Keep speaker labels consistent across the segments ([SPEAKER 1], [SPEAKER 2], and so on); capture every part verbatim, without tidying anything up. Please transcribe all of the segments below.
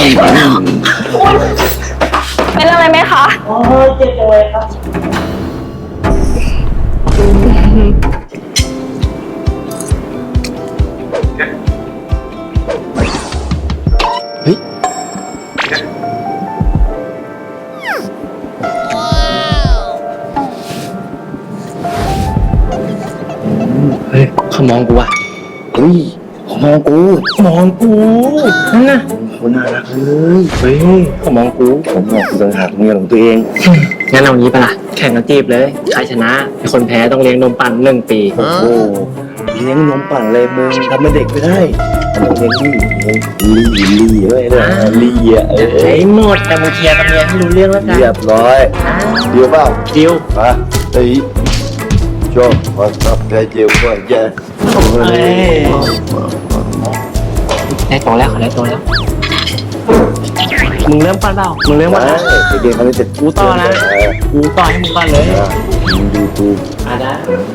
[SPEAKER 1] เป็นอะไรไหมคะ
[SPEAKER 2] โอ้ยเจ็บจังเลยครับ
[SPEAKER 3] เฮ้ยเฮ้ยเขามองกูว่ะเฮ้ยเขามองกูมองกูนั่นน่ะคนน่ารักเลยเฮ้ยเขามองกูผมมองกูต่างหากเมียของตัวเองงั้นเอางี้ปะล่ะแข่งกันจีบเลยใครชนะคนแพ้ต้องเลี้ยงนมปั่นหนึ่งปีโอ้โหเลี้ยงนมปั่นเลยมึงทำเป็นเด็กไม่ได้เลี้ยงลี่ลี่ลี่ไว้เลยลี่อ่ะไอ้หมดแต่มึงเคลียร์กับเมียให้รู้เรื่องแล้วกันเรียบร้อยเดียวเปล่าเดียวมาไอ้ชอบมาสับใจเจียวก็แย่ได้โตแล้วเขาได้โตแล้วมึงเริ่มปั้นเปล่ามึงเริ่มปั้นนะเด็กๆเขาจะกูต่อนะกูต่อให้มึงก่อนเลยมึงดูกูอ่ะได้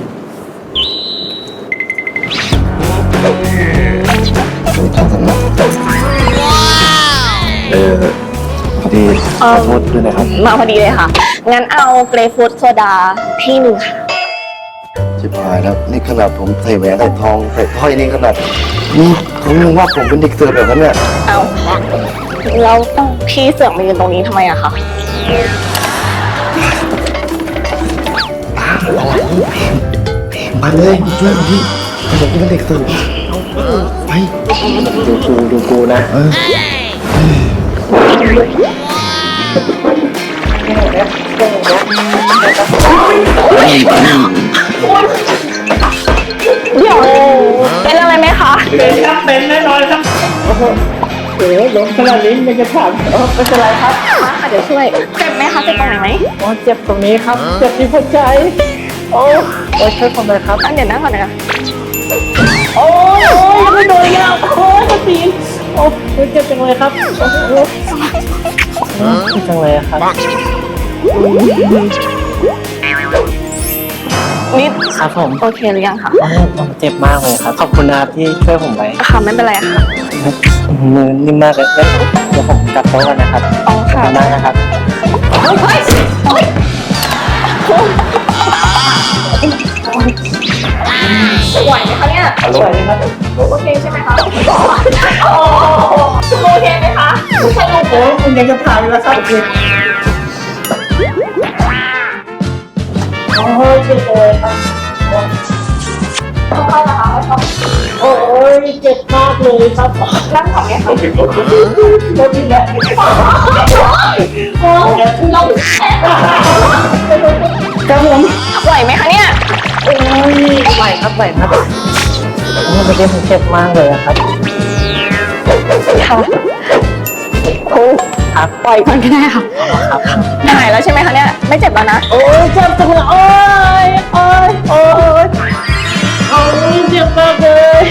[SPEAKER 3] เออพอดีขอโทษด้วยนะครับ
[SPEAKER 1] มาพอดีเลยค่ะงั้นเอาเกรฟฟูดโซดาที่หนึ่งค่ะ
[SPEAKER 3] ชิบหายแล้วนี่ขนาดผมใส่แหวนใส่ทองใส่ถ้อยนี่ขนาดนี่เขายังว่าผมเป็นเด็กเสิร์ฟแบบนั้นเนี่ย
[SPEAKER 1] เอาแล้วพี่เสือกมายืนตรงนี้ทำไมอะคะ
[SPEAKER 3] มาเลยช่วยพี่ผมเป็นเด็กเสิร์ฟไปดูกูดูกูนะ
[SPEAKER 1] เดี๋ยวเป็นอะไรไหมคะ
[SPEAKER 2] เป็นครับเป็นแน่นอนครับโอ้โหโอ้โหล้มขนาดนี้ยังจะถามเออไม่เป็นไรครับ
[SPEAKER 1] มาค่ะเดี๋ยวช่วยเจ็บไหมคะเจ็บตรงไหนไหม
[SPEAKER 2] อ๋อเจ็บตรงนี้ครับเจ็บที่หัวใจโอ้โอ้ช่วยผมหน่อยครับ
[SPEAKER 1] เดี๋ยวนั่งก่อนนะคะ
[SPEAKER 2] โอ้ยโอ้ยยังไม่โดนอีกแล้วโอ้ยกระตีนโอ้ยเจ็บจังเลยครับโอ้โหเจ็บจังเลยครับ
[SPEAKER 1] นิด
[SPEAKER 2] ครับผม
[SPEAKER 1] โอเคหรือยังคะ
[SPEAKER 2] ผมเจ็บมากเลยครับขอบคุณนะครับที่ช่วยผมไว้
[SPEAKER 1] ค่ะไม่เป็นไรค่ะ
[SPEAKER 2] มือนิ่มมากเลยเดี๋ยวผมกลับโต๊ะกันนะครับ
[SPEAKER 1] อ๋อค่ะ
[SPEAKER 2] มากนะครับ
[SPEAKER 1] เฮ้ยเฮ้ยไหวไหมคะเนี่ย
[SPEAKER 2] ไหวไหมครับ
[SPEAKER 1] โอเคใช่ไหมคะโอ้โอเคไหมคะสนุก
[SPEAKER 2] โอ้ยคุณยังจะผ่านแล้วครับโอ้ยเจ็บเลยครับ
[SPEAKER 1] เข้านะคะเข้า
[SPEAKER 2] โอ้ยเจ็บมากเลยครับ
[SPEAKER 1] นั่งก่อนไหมคะ
[SPEAKER 2] โดนทีแล้ว
[SPEAKER 1] โอ้ยลง
[SPEAKER 2] ครับผม
[SPEAKER 1] ไหวไหมคะเนี่ย
[SPEAKER 2] โอ้ยไหวครับไหวครับโอ้ยเมื่อกี้ผมเจ็บมากเลยครับ
[SPEAKER 1] ค่ะครู
[SPEAKER 2] ครับ
[SPEAKER 1] ปล่อยก่อนก็ได้ค่ะ
[SPEAKER 2] ครับ
[SPEAKER 1] หายแล้วใช่ไหมคะเนี่ยไม่เจ็บแล้วนะ
[SPEAKER 2] โอ้ยเจ็บจังเลยโอ้ยโอ้ยโอ้ยโอ้ยเจ็บมากเลย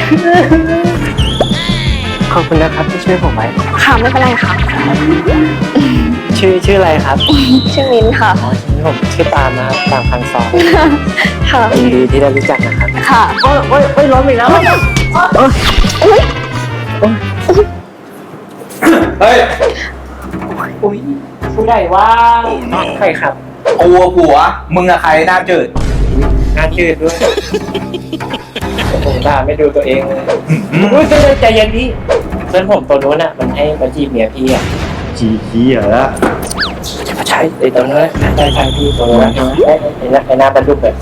[SPEAKER 2] ขอบคุณนะครับที่ช่วยผมไว้
[SPEAKER 1] ค่ะไม่เป็นไรค่ะ
[SPEAKER 2] ชื่อชื่ออะไรครับ
[SPEAKER 1] ชื่อมิ้นค่ะ
[SPEAKER 2] อ๋อผมชื่อตามนะครับตามพันสอง
[SPEAKER 1] ค่ะ
[SPEAKER 2] ยินดีที่ได้รู้จักนะครับ
[SPEAKER 1] ค่ะ
[SPEAKER 2] โอ้ยโอ้ยโอ้ยล้มอีกแล้วโอ้ย
[SPEAKER 1] โอ้ย
[SPEAKER 4] เฮ้ย
[SPEAKER 2] อุ้ยผู้ใหญ่ว่าใครครับ
[SPEAKER 4] กูผัวมึงอะใครหน้าจืด
[SPEAKER 2] หน้าจืดด้วยผมด่าไม่ดูตัวเองเลยอุ้ยใจใจเย็นพี่เพื่อนผมตัวนู้นอ่ะมันให้มาจีบเมียพี่อ่ะ
[SPEAKER 3] จีจีเหรอ
[SPEAKER 2] ใช่ไอ้ตัวนั้นใช่ใช่พี่ตัวนั้นไอ้หน้าไอ้หน้าบรรลุแบบ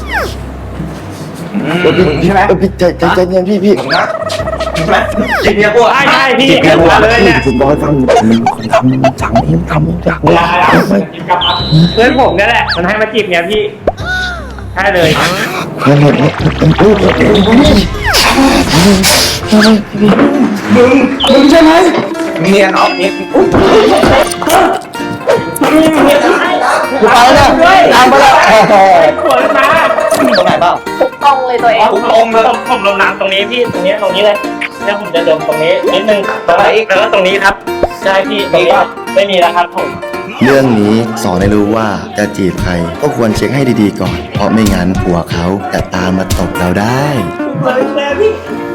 [SPEAKER 4] ใช่ไหม
[SPEAKER 3] พี่ใจใจใจเย็นพี่พี่
[SPEAKER 4] นะใช่ไหมจีบเมียกู
[SPEAKER 2] ใช่ใช่พี่
[SPEAKER 3] จีบเมียกูเลยเนี่ยผมบอกให้ฟังมันคนทำมันสั่งมันทำมันสั่งเ
[SPEAKER 2] พื่อนผมนี่แหละมันให้มาจีบเมียพี่ใช่เลย
[SPEAKER 4] มึงมึงใช่ไหมเนียนออฟนิดกู
[SPEAKER 2] ไปแล้วตามไปแล้วขวดมา
[SPEAKER 4] ตรงไหนบ้าง
[SPEAKER 1] ทุกตรงเลยตัวเอง
[SPEAKER 4] ทุกตรงเลย
[SPEAKER 2] ผมลงน้ำตรงนี้พี่ตรงนี้ตรงนี้เลยเนี่ยผมจะเดินตรงนี้นิดนึงตรงนี้แล้วก็ตรงนี้ครับใช่พี่ตรงนี้ไม่มีแล้วครับผม
[SPEAKER 3] เรื่องนี้สอนให้รู้ว่าจะจีบใครก็ควรเช็คให้ดีๆก่อนเพราะไม่งั้นผัวเขาจะตามมาตบเราได้
[SPEAKER 2] เปิดแชร์พี่